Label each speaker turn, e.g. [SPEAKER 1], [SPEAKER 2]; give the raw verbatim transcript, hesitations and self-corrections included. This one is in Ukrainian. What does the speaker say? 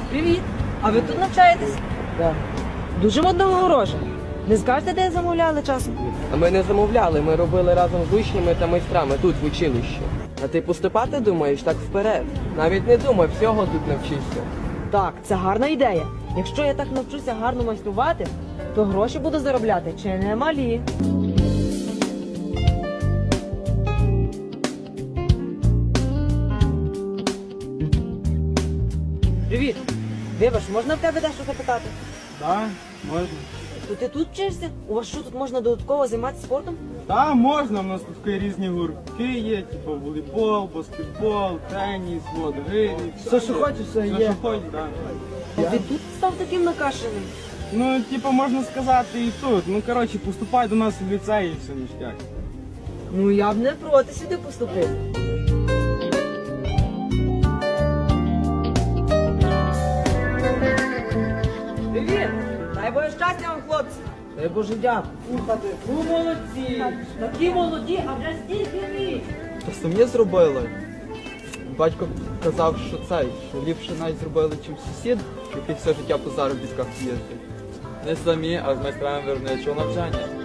[SPEAKER 1] Привіт! А ви тут навчаєтесь?
[SPEAKER 2] Так.
[SPEAKER 1] Дуже модного гроша. Не скажете, де замовляли часом?
[SPEAKER 2] А ми не замовляли, ми робили разом з учнями та майстрами тут в училищі. А ти поступати думаєш так вперед? Навіть не думай, всього тут навчишся.
[SPEAKER 1] Так, це гарна ідея. Якщо я так навчуся гарно майструвати, то гроші буду заробляти чи не малі. Привіт! Вибач, можна в тебе дещо запитати?
[SPEAKER 3] Так, можна.
[SPEAKER 1] То ти тут вчишся? У вас що, тут можна додатково займатися спортом?
[SPEAKER 3] Так, можна, у нас тут такі різні гуртки є, типу волейбол, баскетбол, теніс, вот, гирі.
[SPEAKER 2] Все, що хочеш, все
[SPEAKER 3] Все,
[SPEAKER 2] є.
[SPEAKER 3] що хочеш, так.
[SPEAKER 1] А ти тут став таким накашеним?
[SPEAKER 3] Ну, типу, можна сказати і тут. Ну, коротше, поступай до нас в ліцей і все ніштяк.
[SPEAKER 1] Ну я б не проти сюди поступити. Привіт! Дай Боже щастя вам, хлопці!
[SPEAKER 2] Дай Боже дякую.
[SPEAKER 1] Слухайте, ну молодці! Такі молоді, а вже стільки літ!
[SPEAKER 4] То самі зробили. Батько казав, що цей, що ліпше навіть зробили, чим сусід, який все життя по заробітках їздить.
[SPEAKER 5] Не самі, а з майстрами виробничого навчання.